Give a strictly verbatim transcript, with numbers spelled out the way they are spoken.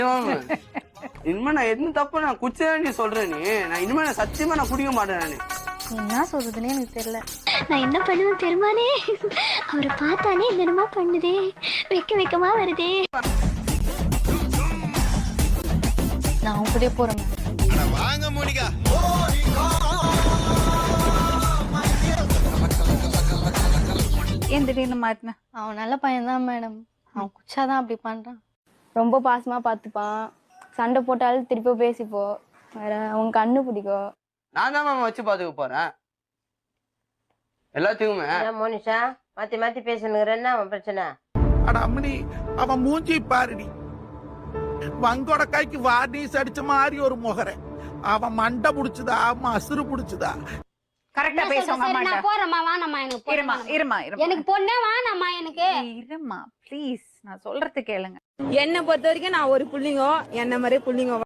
இனிமே நான் எதுவும் தப்பு நான் குடிச்சதான் நீ சொல்ற நீ நான் இனிமே நான் சத்தியமா நான் குடிக்க மாட்டேன் நானு. என்ன சொல்றதுன்னே எனக்கு தெரியல. நான் என்ன பண்ணுவேன் தெரியுமானே? அவரை பார்த்தானே என்னமா பண்ணுதே, வெக்க வெக்கமா வருதே. நான் அவங்க கூடயே போறேன். வாங்க மோனிகா. ஏன் திடீர்னு மாட்டின? அவன் நல்ல பையன்தான் மேடம். அவன் குச்சாதான் அப்படி பண்றான். ரொம்ப பாசமா பார்த்துப்பான். சண்டை போட்டாலும் திருப்பி பேசிப்போ. வேற அவன் கண்ணு பிடிக்கும். நான் தான் மாமா வச்சு பாத்துக்க போறேன் எல்லாத்துக்குமே. மோனிஷா மாத்தி மாத்தி பேசணுங்கிற என்ன அவன் பிரச்சனை? அட அம்மனி அவன் மூஞ்சி பாருடி. வங்கோட கைக்கு வார்னிஸ் அடிச்ச மாதிரி ஒரு முகரை. அவன் மண்டை புடிச்சுதா மசுறு புடிச்சுதா? கரெக்டா பேசுவாங்க அம்மா. நான் போறேம்மா, வானம்மா எனக்கு. இருமா இருமா இருமா. எனக்கு பொண்ணே வானம்மா எனக்கு. இருமா ப்ளீஸ், நான் சொல்றது கேளுங்க. என்ன பொறுத்த வரைக்கும் நான் ஒரு புள்ளிங்கோ என்ன மாதிரி புள்ளிங்கோ